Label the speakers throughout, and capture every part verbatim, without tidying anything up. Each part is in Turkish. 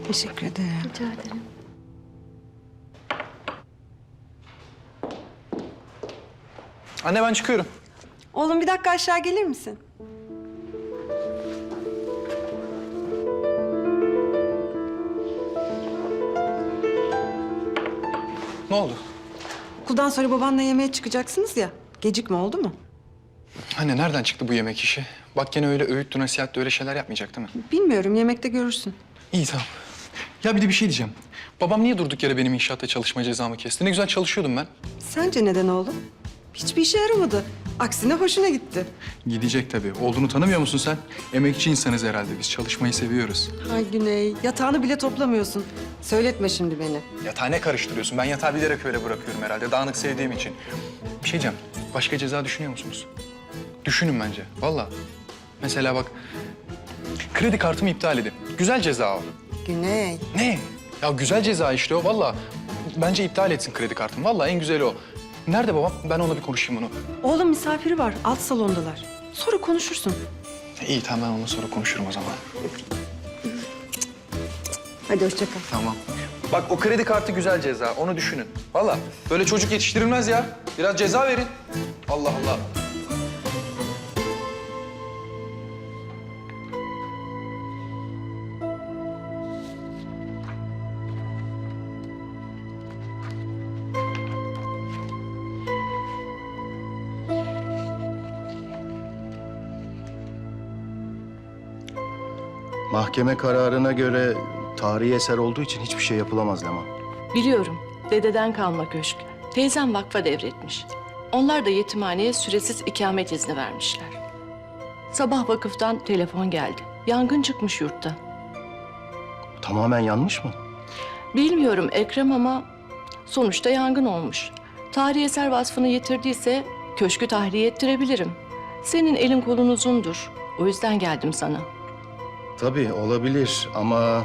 Speaker 1: Teşekkür ederim.
Speaker 2: Rica ederim.
Speaker 3: Anne ben çıkıyorum.
Speaker 1: Oğlum bir dakika aşağı gelir misin?
Speaker 3: Ne oldu?
Speaker 1: Okuldan sonra babanla yemeğe çıkacaksınız ya. Gecikme oldu mu?
Speaker 3: Anne nereden çıktı bu yemek işi? Bak gene öyle öğütlü nasihatli öyle şeyler yapmayacak değil mi?
Speaker 1: Bilmiyorum, yemekte görürsün.
Speaker 3: İyi tamam. Ya bir de bir şey diyeceğim. Babam niye durduk yere benim inşaatta çalışma cezamı kesti? Ne güzel çalışıyordum ben.
Speaker 1: Sence neden oğlum? Hiçbir işe yaramadı. Aksine hoşuna gitti.
Speaker 3: Gidecek tabii. Olduğunu tanımıyor musun sen? Emekçi insanız herhalde biz. Çalışmayı seviyoruz.
Speaker 1: Ay Güney, yatağını bile toplamıyorsun. Söyletme şimdi beni.
Speaker 3: Yatağı ne karıştırıyorsun? Ben yatağı bilerek öyle bırakıyorum herhalde. Dağınık sevdiğim için. Bir şey diyeceğim. Başka ceza düşünüyor musunuz? Düşünün bence. Vallahi. Mesela bak. Kredi kartımı iptal edin. Güzel ceza o.
Speaker 1: Güney.
Speaker 3: Ne? Ya güzel ceza işte o. Vallahi. Bence iptal etsin kredi kartımı. Vallahi en güzeli o. Nerede babam? Ben onunla bir konuşayım onu.
Speaker 1: Oğlum misafiri var, alt salondalar. Sonra konuşursun.
Speaker 3: İyi tamam ben onunla sonra konuşurum o zaman.
Speaker 1: Hadi hoşça kal.
Speaker 3: Tamam. Bak o kredi kartı güzel ceza. Onu düşünün. Vallahi böyle çocuk yetiştirilmez ya. Biraz ceza verin. Allah Allah.
Speaker 4: Mahkeme kararına göre tarihi eser olduğu için hiçbir şey yapılamaz Leman.
Speaker 2: Biliyorum. Dededen kalma köşk. Teyzem vakfa devretmiş. Onlar da yetimhaneye süresiz ikamet izni vermişler. Sabah vakıftan telefon geldi. Yangın çıkmış yurtta.
Speaker 4: Tamamen yanmış mı?
Speaker 2: Bilmiyorum Ekrem ama sonuçta yangın olmuş. Tarihi eser vasfını yitirdiyse köşkü tahliye ettirebilirim. Senin elin kolun uzundur. O yüzden geldim sana.
Speaker 4: Tabii olabilir ama...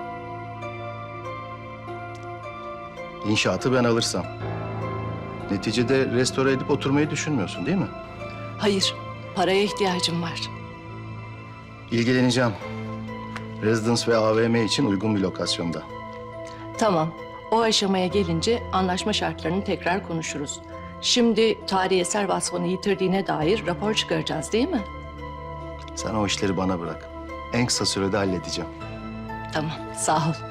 Speaker 4: İnşaatı ben alırsam. Neticede restore edip oturmayı düşünmüyorsun değil mi?
Speaker 2: Hayır, paraya ihtiyacım var.
Speaker 4: İlgileneceğim. Residence ve A V M için uygun bir lokasyonda.
Speaker 2: Tamam, o aşamaya gelince anlaşma şartlarını tekrar konuşuruz. Şimdi tarihi eser vasfını yitirdiğine dair rapor çıkaracağız değil mi?
Speaker 4: Sen o işleri bana bırak. En kısa sürede halledeceğim.
Speaker 2: Tamam, sağ ol.